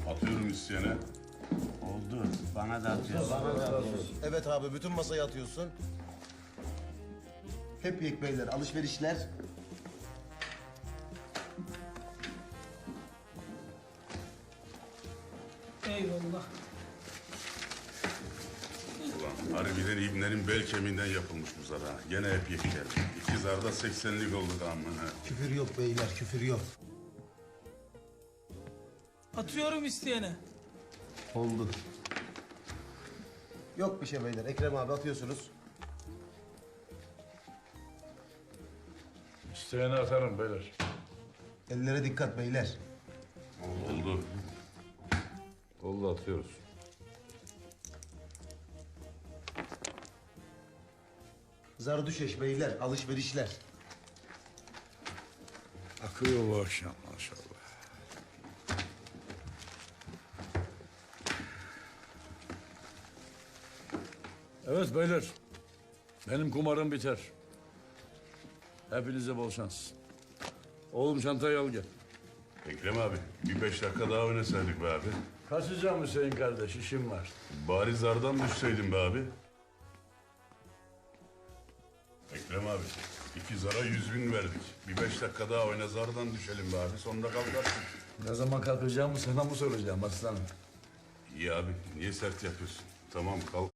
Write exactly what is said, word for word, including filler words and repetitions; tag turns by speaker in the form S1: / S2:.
S1: Atıyorum isteyene.
S2: Oldu. Bana da atıyorsun.
S3: Evet abi bütün masayı atıyorsun. Hep yek beyler alışverişler.
S4: Eyvallah.
S1: Ulan harbiden İbne'nin bel kemiğinden yapılmış bu zar ha. Gene hep yek geldi. İki zarda seksenlik olduk amına.
S3: Küfür yok beyler küfür yok.
S4: Atıyorum isteyene.
S3: Oldu. Yok bir şey beyler. Ekrem abi atıyorsunuz.
S5: İsteyene atarım beyler.
S3: Ellere dikkat beyler.
S1: Oldu.
S5: Oldu atıyoruz.
S3: Zardüşeş beyler alışverişler.
S5: Akıyor bu akşam maşallah. Evet beyler. Benim kumarım biter. Hepinize bol şans. Oğlum çantayı al gel.
S1: Ekrem abi bir beş dakika daha oynasaydık be abi.
S5: Kaçacağım Hüseyin kardeş, işim var.
S1: Bari zardan düşseydin be abi. Ekrem abi iki zara yüz bin verdik. Bir beş dakika daha oyna zardan düşelim be abi. Sonunda kalkarsın.
S5: Ne zaman kalkacağımı sana mı soracağım aslanım?
S1: İyi abi niye sert yapıyorsun? Tamam kalk.